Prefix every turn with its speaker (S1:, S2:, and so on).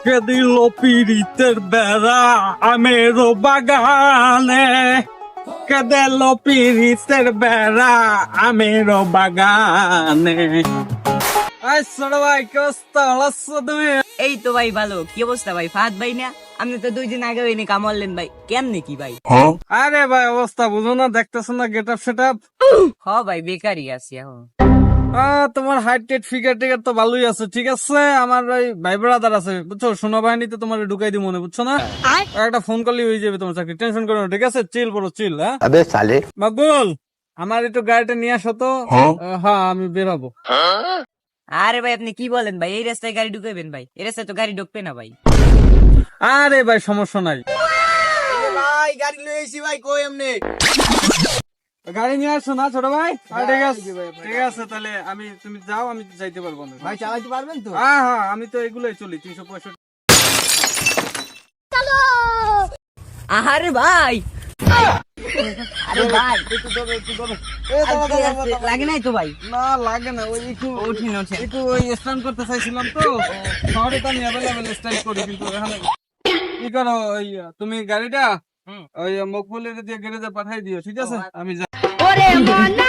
S1: কে দিল পিরিতের বেড়া আমেরও বাগানে, কে দিল পিরিতের বেড়া আমেরও বাগানে। আই ছোট ভাই কি অবস্থা, ভালো আছো তুমি?
S2: এই তো ভাই ভালো। কি অবস্থা ভাই? ফাহাদ ভাই না? আপনি তো 2 দিন আগে এনে কামড়লেন ভাই, কেমনে কি ভাই?
S1: আরে ভাই অবস্থা বুঝো না, দেখতেছো না গেট আপ সেট আপ।
S2: হ ভাই, বেকারই আছি এখন।
S1: তোমার হাইট টেট ফিগার টিগার তো ভালোই আছে, ঠিক আছে। আমার ওই ভাই ব্রাদার আছে বুঝছো, সেনাবাহিনীতে তোমার ঢুকাই দিব মনে, বুঝছো না। একটা ফোন করলেই হয়ে যাবে তোমার চাকরি, টেনশন করো না, ঠিক আছে। চিল বড় চিল। হ্যাঁ
S3: अबे साले
S1: মাকবুল, আমার একটু গাড়িটা নিয়ে আসো তো। হ্যাঁ আমি বেরাবো।
S2: আরে ভাই আপনি কি বলেন ভাই? এই রাস্তায় গাড়ি ঢুকাবেন ভাই? এই রাস্তায় তো গাড়ি ঢুকবে না ভাই।
S1: আরে ভাই সমস্যা নাই,
S4: ভাই গাড়ি লয়ে আইছি ভাই, কই এমনি?
S1: গাড়ি নিয়ে আসো না ছোট ভাই। ঠিক আছে ঠিক আছে, তাহলে তুমি যাও, আমি যাইতে পারবো না
S4: ভাই চালাইতে পারবেন তো?
S1: হ্যাঁ হ্যাঁ, আমি তো এগুলোই চলি 365।
S2: আরে ভাই, আরে ভাই লাগে নাই তো ভাই?
S1: না লাগে না, ওই একটু
S2: ওঠেন ওঠেন।
S1: একটু ওই স্ট্যান্ড করতে চাইছিলাম তো। শহরে তো আমি অ্যাভেলেবেল স্ট্যান্ড করি, কিন্তু এখানে কি করো, ওই তুমি গাড়িটা ওই মকবুলের দিয়ে গ্যারেজে পাঠাই দিও, ঠিক আছে। আমি যাই।
S5: ওরে মনা